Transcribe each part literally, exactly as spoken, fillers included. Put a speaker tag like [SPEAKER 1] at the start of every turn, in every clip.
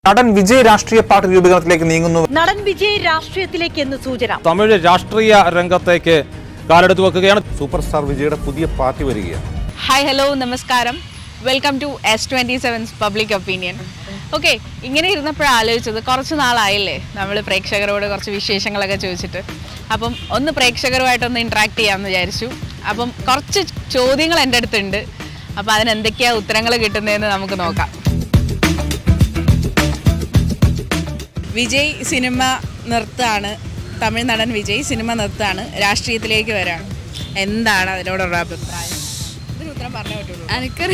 [SPEAKER 1] നടൻ വിജയ് രാഷ്ട്രീയ പാർട്ടി രൂപീകരണത്തിലേക്ക് നീങ്ങുന്നു.
[SPEAKER 2] നടൻ വിജയ് രാഷ്ട്രീയത്തിലേക്ക് എന്ന് സൂചന.
[SPEAKER 3] തമിഴ് രാഷ്ട്രീയ രംഗത്തേക്ക് കാലെടുത്ത് വെക്കുകയാണ്.
[SPEAKER 1] സൂപ്പർ സ്റ്റാർ വിജയുടെ പുതിയ പാർട്ടി വരികയാണ്.
[SPEAKER 4] ഹായ് ഹലോ നമസ്കാരം, welcome to S twenty sevens public opinion. Okay, ഇങ്ങനെ ഇരുന്നപ്പോഴാണ് ആലോചിച്ചത്, കുറച്ച് നാളായില്ലേ നമ്മൾ പ്രേക്ഷകരോട് കുറച്ച് വിശേഷങ്ങളൊക്കെ ചോദിച്ചിട്ട്. അപ്പം ഒന്ന് പ്രേക്ഷകരുമായിട്ടൊന്ന് ഇൻട്രാക്ട് ചെയ്യാമെന്ന് വിചാരിച്ചു. അപ്പം കുറച്ച് ചോദ്യങ്ങൾ എൻ്റെ അടുത്തുണ്ട്. അപ്പോൾ അതിനെന്തൊക്കെയാണ് ഉത്തരങ്ങൾ കിട്ടുന്നതെന്ന് നമുക്ക് നോക്കാം. വിജയ് സിനിമ നിർത്താണ്, തമിഴ് നടൻ വിജയ് സിനിമ നിർത്താണ്, രാഷ്ട്രീയത്തിലേക്ക് വരാണ്. എന്താണ് അതിനോടുള്ള അഭിപ്രായം? ഇതിന് ഉത്തരം പറഞ്ഞേ പറ്റുള്ളൂ.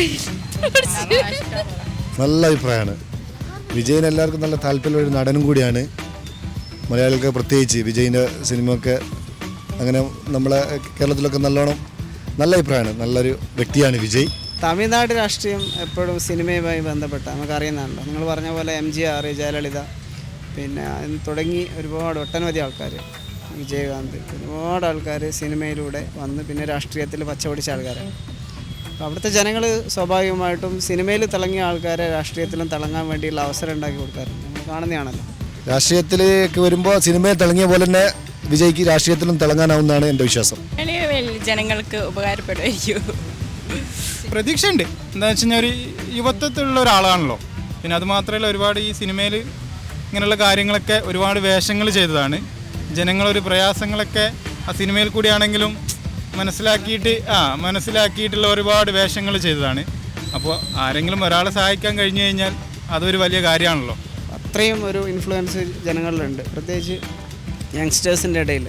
[SPEAKER 5] നല്ല അഭിപ്രായമാണ്. വിജയിന് എല്ലാവർക്കും നല്ല താല്പര്യമുള്ള ഒരു നടനും കൂടിയാണ്. മലയാളികൾക്ക് പ്രത്യേകിച്ച് വിജയിൻ്റെ സിനിമയൊക്കെ അങ്ങനെ നമ്മളെ കേരളത്തിലൊക്കെ നല്ലോണം നല്ല അഭിപ്രായമാണ്. നല്ലൊരു വ്യക്തിയാണ് വിജയ്.
[SPEAKER 6] തമിഴ്നാട് രാഷ്ട്രീയം എപ്പോഴും സിനിമയുമായി ബന്ധപ്പെട്ട നമുക്കറിയുന്നതാണല്ലോ. നിങ്ങൾ പറഞ്ഞ പോലെ എം ജി ആർ, ജയലളിത, പിന്നെ തുടങ്ങി ഒരുപാട് ഒട്ടനവധി ആൾക്കാർ, വിജയകാന്ത്, ഒരുപാട് ആൾക്കാർ സിനിമയിലൂടെ വന്ന് പിന്നെ രാഷ്ട്രീയത്തിൽ പച്ചപിടിച്ച ആൾക്കാരാണ്. അപ്പോൾ അവിടുത്തെ ജനങ്ങൾ സ്വാഭാവികമായിട്ടും സിനിമയിൽ തിളങ്ങിയ ആൾക്കാരെ രാഷ്ട്രീയത്തിലും തിളങ്ങാൻ വേണ്ടിയുള്ള അവസരം ഉണ്ടാക്കി കൊടുക്കാറുണ്ട്. നമ്മൾ കാണുന്നതാണല്ലോ.
[SPEAKER 5] രാഷ്ട്രീയത്തിലേക്ക് വരുമ്പോൾ സിനിമയിൽ തിളങ്ങിയ പോലെ തന്നെ വിജയ്ക്ക് രാഷ്ട്രീയത്തിലും തിളങ്ങാനാവുന്നതാണ് എൻ്റെ വിശ്വാസം.
[SPEAKER 4] ജനങ്ങൾക്ക് ഉപകാരപ്പെടുമായിരിക്കും.
[SPEAKER 7] പ്രതീക്ഷയുണ്ട്. എന്താ വെച്ച് കഴിഞ്ഞാൽ ഒരു യുവത്വത്തിലുള്ള ഒരാളാണല്ലോ. പിന്നെ അതുമാത്രമല്ല, ഒരുപാട് ഈ സിനിമയിൽ ഇങ്ങനെയുള്ള കാര്യങ്ങളൊക്കെ ഒരുപാട് വേഷങ്ങൾ ചെയ്തതാണ്. ജനങ്ങളൊരു പ്രയാസങ്ങളൊക്കെ ആ സിനിമയിൽ കൂടിയാണെങ്കിലും മനസ്സിലാക്കിയിട്ട് ആ മനസ്സിലാക്കിയിട്ടുള്ള ഒരുപാട് വേഷങ്ങൾ ചെയ്തതാണ്. അപ്പോൾ ആരെങ്കിലും ഒരാളെ സഹായിക്കാൻ കഴിഞ്ഞു കഴിഞ്ഞാൽ അതൊരു വലിയ കാര്യമാണല്ലോ.
[SPEAKER 6] അത്രയും ഒരു ഇൻഫ്ലുവൻസ് ജനങ്ങളിലുണ്ട്, പ്രത്യേകിച്ച് യങ്സ്റ്റേഴ്സിൻ്റെ ഇടയിൽ.